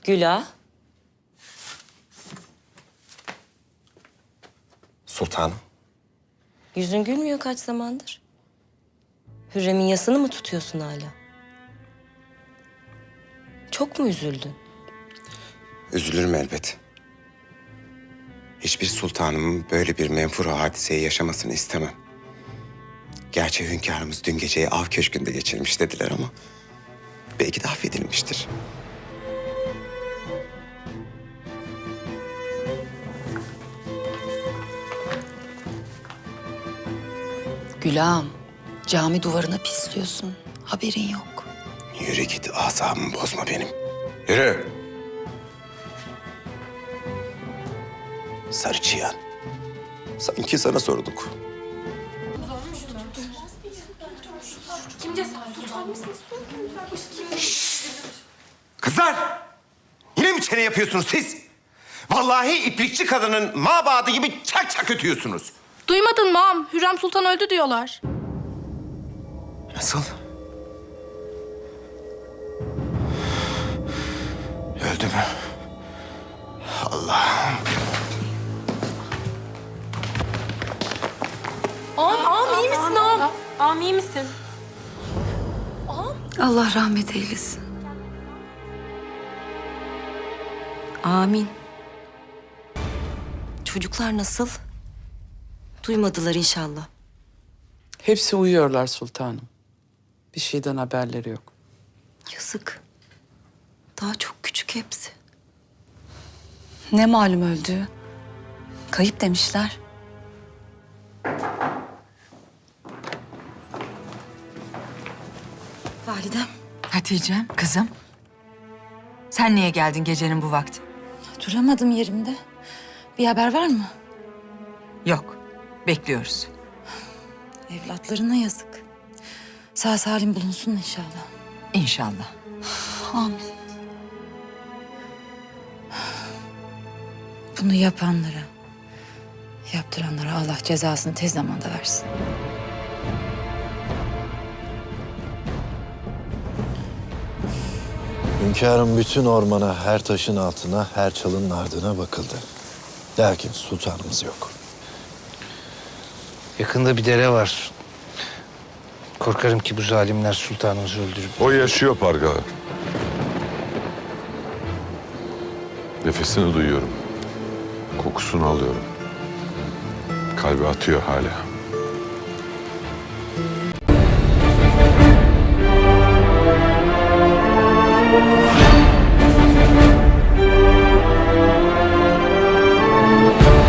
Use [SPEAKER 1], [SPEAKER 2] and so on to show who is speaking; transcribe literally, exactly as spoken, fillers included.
[SPEAKER 1] Güla.
[SPEAKER 2] Sultanım.
[SPEAKER 1] Yüzün gülmüyor kaç zamandır. Hürrem'in yasını mı tutuyorsun hala? Çok mu üzüldün?
[SPEAKER 2] Üzülürüm elbet. Hiçbir sultanımın böyle bir menfur hadiseyi yaşamasını istemem. Gerçi hünkârımız dün geceyi av köşkünde geçirmiş dediler ama belki de affedilmiştir.
[SPEAKER 3] Gülağım, cami duvarına pisliyorsun. Haberin yok.
[SPEAKER 2] Yürü git, asabımı bozma benim. Yürü. Sarı çıyan. Sanki sana sorduk. Kızlar! Yine mi çene yapıyorsunuz siz? Vallahi iplikçi kadının mabadı gibi çak çak ötüyorsunuz.
[SPEAKER 4] Duymadın mı ağam? Hürrem Sultan öldü diyorlar.
[SPEAKER 2] Nasıl? Öldü mü? Allah'ım.
[SPEAKER 4] Ağam, ağam iyi misin ağam? Ağam iyi misin?
[SPEAKER 3] Allah rahmet eylesin.
[SPEAKER 1] Amin. Çocuklar nasıl? Duymadılar inşallah.
[SPEAKER 5] Hepsi uyuyorlar sultanım. Bir şeyden haberleri yok.
[SPEAKER 1] Yazık. Daha çok küçük hepsi.
[SPEAKER 3] Ne malum öldüğü? Kayıp demişler.
[SPEAKER 1] Validem.
[SPEAKER 6] Hatice'm, kızım. Sen niye geldin gecenin bu vakti?
[SPEAKER 3] Duramadım yerimde. Bir haber var mı?
[SPEAKER 6] Yok, bekliyoruz.
[SPEAKER 3] Evlatlarına yazık. Sağ salim bulunsun inşallah.
[SPEAKER 6] İnşallah.
[SPEAKER 3] Amin. Bunu yapanlara, yaptıranlara Allah cezasını tez zamanda versin.
[SPEAKER 7] Hünkârım bütün ormana, her taşın altına, her çalının ardına bakıldı. Lakin sultanımız yok.
[SPEAKER 8] Yakında bir dere var. Korkarım ki bu zalimler sultanımızı öldürüp...
[SPEAKER 9] O yaşıyor Pargalı. Nefesini duyuyorum. Kokusunu alıyorum. Kalbi atıyor hala.